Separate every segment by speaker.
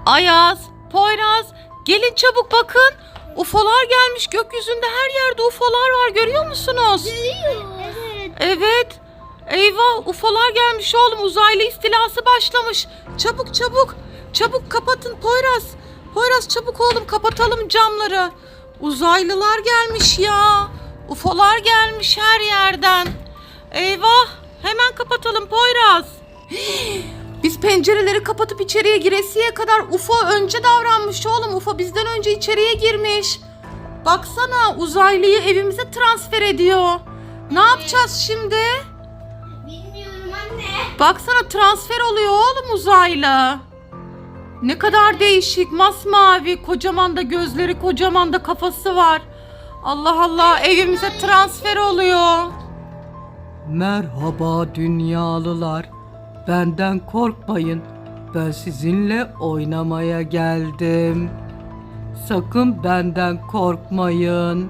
Speaker 1: Ayaz, Poyraz, gelin çabuk bakın. UFO'lar gelmiş gökyüzünde, her yerde UFO'lar var, görüyor musunuz?
Speaker 2: Görüyor. Evet.
Speaker 1: Evet. Eyvah, UFO'lar gelmiş oğlum, uzaylı istilası başlamış. Çabuk çabuk, çabuk kapatın Poyraz. Poyraz çabuk oğlum, kapatalım camları. Uzaylılar gelmiş ya. UFO'lar gelmiş her yerden. Eyvah, hemen kapatalım Poyraz. Biz pencereleri kapatıp içeriye giresiye kadar UFO önce davranmış oğlum. UFO bizden önce içeriye girmiş. Baksana, uzaylıyı evimize transfer ediyor. Ne yapacağız şimdi?
Speaker 2: Bilmiyorum anne.
Speaker 1: Baksana, transfer oluyor oğlum uzaylı. Ne kadar değişik, masmavi, kocaman da gözleri, kocaman da kafası var. Allah Allah, evimize transfer oluyor. Merhaba dünyalılar. Benden korkmayın. Ben sizinle oynamaya geldim. Sakın benden korkmayın.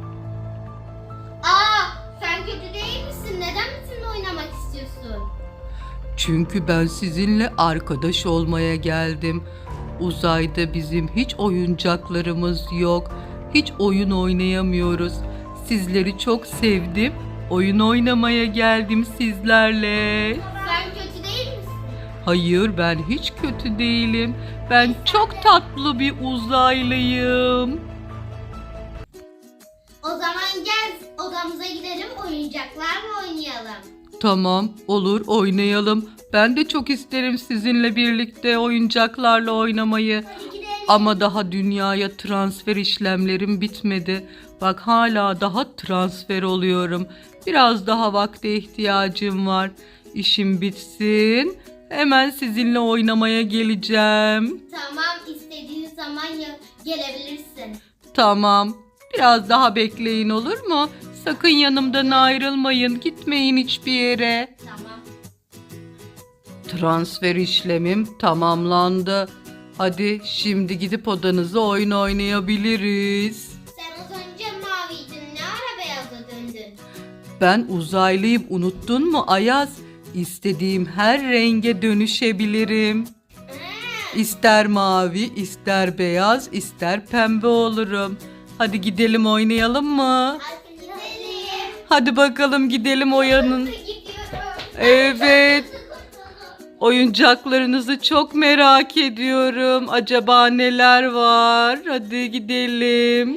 Speaker 2: Sen kötü değil misin? Neden bizimle oynamak istiyorsun?
Speaker 1: Çünkü ben sizinle arkadaş olmaya geldim. Uzayda bizim hiç oyuncaklarımız yok. Hiç oyun oynayamıyoruz. Sizleri çok sevdim. Oyun oynamaya geldim sizlerle.
Speaker 2: Sen kötü değil misin?
Speaker 1: Hayır, ben hiç kötü değilim. Ben çok tatlı bir uzaylıyım.
Speaker 2: O zaman gel odamıza gidelim, oyuncaklarla oynayalım.
Speaker 1: Tamam, olur, oynayalım. Ben de çok isterim sizinle birlikte oyuncaklarla oynamayı.
Speaker 2: Hadi gidelim.
Speaker 1: Ama daha dünyaya transfer işlemlerim bitmedi. Bak, hala daha transfer oluyorum. Biraz daha vakte ihtiyacım var. İşim bitsin. Hemen sizinle oynamaya geleceğim.
Speaker 2: Tamam, istediğin zaman gelebilirsin.
Speaker 1: Tamam. Biraz daha bekleyin, olur mu? Sakın yanımdan ayrılmayın. Gitmeyin hiçbir yere.
Speaker 2: Tamam.
Speaker 1: Transfer işlemim tamamlandı. Hadi şimdi gidip odanıza oyun oynayabiliriz.
Speaker 2: Sen az önce maviydin. Ne ara beyaza döndün?
Speaker 1: Ben uzaylıyım, unuttun mu Ayaz? İstediğim her renge dönüşebilirim. İster mavi, ister beyaz, ister pembe olurum. Hadi gidelim, oynayalım mı?
Speaker 2: Hadi gidelim.
Speaker 1: Hadi bakalım, gidelim oyanın.
Speaker 2: Gidiyorum.
Speaker 1: Evet. Oyuncaklarınızı çok merak ediyorum. Acaba neler var? Hadi gidelim.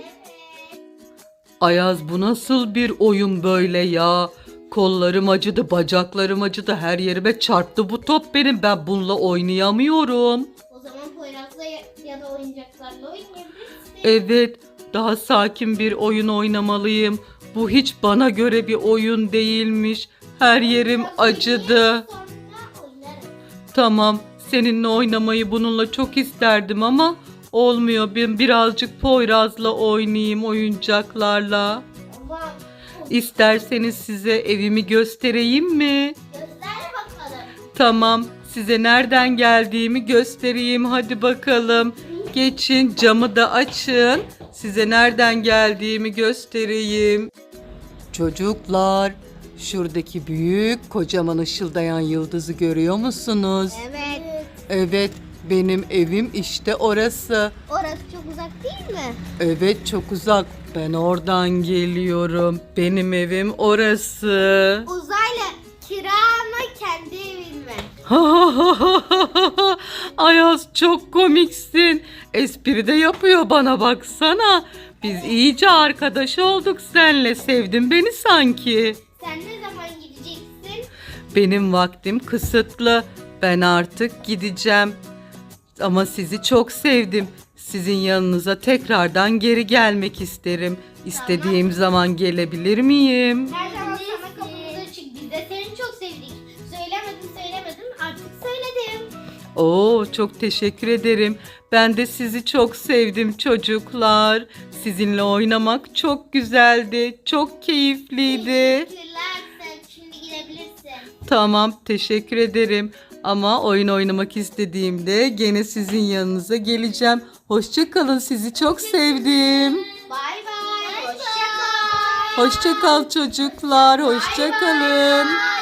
Speaker 1: Ayaz, bu nasıl bir oyun böyle ya? Kollarım acıdı, bacaklarım acıdı, her yerime çarptı bu top benim. Ben bununla oynayamıyorum.
Speaker 2: O zaman Poyraz'la ya da oyuncaklarla oynayabilirsin.
Speaker 1: Evet, daha sakin bir oyun oynamalıyım. Bu hiç bana göre bir oyun değilmiş. Her yerim acıdı.
Speaker 2: Sonra oynarız.
Speaker 1: Tamam, seninle oynamayı bununla çok isterdim ama olmuyor. Ben birazcık Poyraz'la oynayayım, oyuncaklarla.
Speaker 2: Tamam.
Speaker 1: İsterseniz size evimi göstereyim mi?
Speaker 2: Göster bakalım.
Speaker 1: Tamam, size nereden geldiğimi göstereyim. Hadi bakalım. Geçin, camı da açın. Size nereden geldiğimi göstereyim. Çocuklar, şuradaki büyük, kocaman ışıldayan yıldızı görüyor musunuz?
Speaker 2: Evet.
Speaker 1: Evet, benim evim işte orası.
Speaker 2: Orası çok uzak değil mi?
Speaker 1: Evet, çok uzak. Ben oradan geliyorum. Benim evim orası.
Speaker 2: Uzaylı kira mı kendi evin mi?
Speaker 1: Ayaz, çok komiksin. Espri de yapıyor bana, baksana. Biz iyice arkadaş olduk seninle. Sevdin beni sanki.
Speaker 2: Sen ne zaman gideceksin?
Speaker 1: Benim vaktim kısıtlı. Ben artık gideceğim. Ama sizi çok sevdim. Sizin yanınıza tekrardan geri gelmek isterim. İstediğim zaman gelebilir miyim?
Speaker 2: Her zaman sana kapımız açık. Biz de seni çok sevdik. Söylemedim artık söyledim.
Speaker 1: Oo, çok teşekkür ederim. Ben de sizi çok sevdim çocuklar. Sizinle oynamak çok güzeldi. Çok keyifliydi.
Speaker 2: Teşekkürler, sen şimdi gidebilirsin.
Speaker 1: Tamam, teşekkür ederim. Ama oyun oynamak istediğimde gene sizin yanınıza geleceğim. Hoşça kalın, sizi çok sevdim.
Speaker 2: Bay bay. Hoşça kal.
Speaker 1: Hoşça kal çocuklar, hoşça kalın.